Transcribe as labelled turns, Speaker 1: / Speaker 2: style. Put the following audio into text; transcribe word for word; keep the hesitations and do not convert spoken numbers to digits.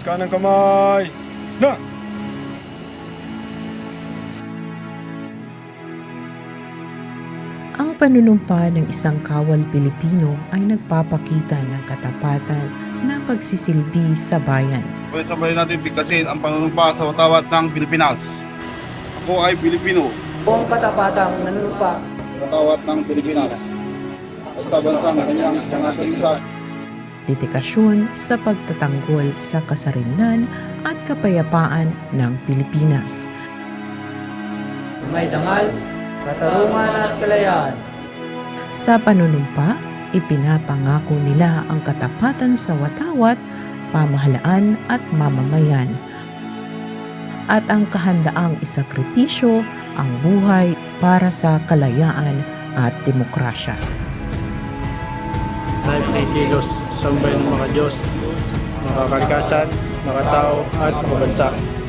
Speaker 1: Taas ka ng kamay. Na!
Speaker 2: Ang panunumpa ng isang kawal Pilipino ay nagpapakita ng katapatan na pagsisilbi sa bayan.
Speaker 3: Sabay natin bigkasin ang panunumpa sa watawat ng Pilipinas. Ako ay Pilipino.
Speaker 4: Buong katapatang nanunumpa
Speaker 3: Watawat ng Pilipinas. At sa bansang kanyang nangasalisan.
Speaker 2: Dedikasyon sa pagtatanggol sa kasarinlan at kapayapaan ng Pilipinas.
Speaker 4: may dangal, katarungan at kalayaan.
Speaker 2: Sa panunumpa, ipinapangako nila ang katapatan sa watawat, pamahalaan at mamamayan. At ang kahandaang isakripisyo ang buhay para sa kalayaan at demokrasya.
Speaker 5: Dahil pinikilos sa sambayan ng mga Diyos, mga kalikasan, mga tao at mga bansa.